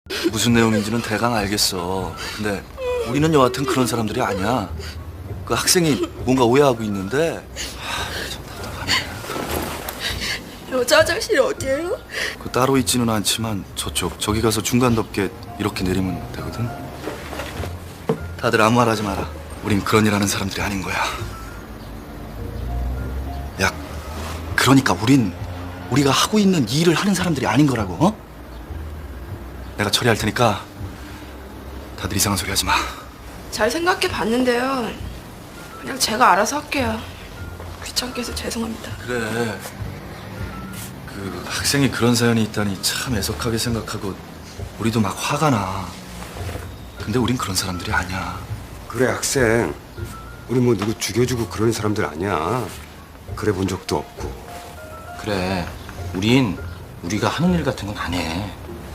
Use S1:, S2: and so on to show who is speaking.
S1: 무슨 내용인지는 대강 알겠어. 근데 우리는 여하튼 그런 사람들이 아니야. 그 학생이 뭔가 오해하고 있는데. 참 답답하네.
S2: 여자 화장실이 어디예요?
S1: 그 따로 있지는 않지만 저기 가서 중간 덮개 이렇게 내리면 되거든. 다들 아무 말 하지 마라. 우린 그런 일 하는 사람들이 아닌 거야. 야, 그러니까 우리가 하고 있는 이 일을 하는 사람들이 아닌 거라고. 어? 내가 처리할 테니까 다들 이상한 소리 하지 마.
S2: 잘 생각해 봤는데요. 그냥 제가 알아서 할게요. 귀찮게 해서 죄송합니다.
S1: 그래. 그 학생이 그런 사연이 있다니 참 애석하게 생각하고 우리도 막 화가 나. 근데 우린 그런 사람들이 아니야.
S3: 그래 학생, 우리 뭐 누구 죽여주고 그런 사람들 아니야. 그래 본 적도 없고.
S4: 그래, 우린 우리가 하는 일 같은 건 안 해.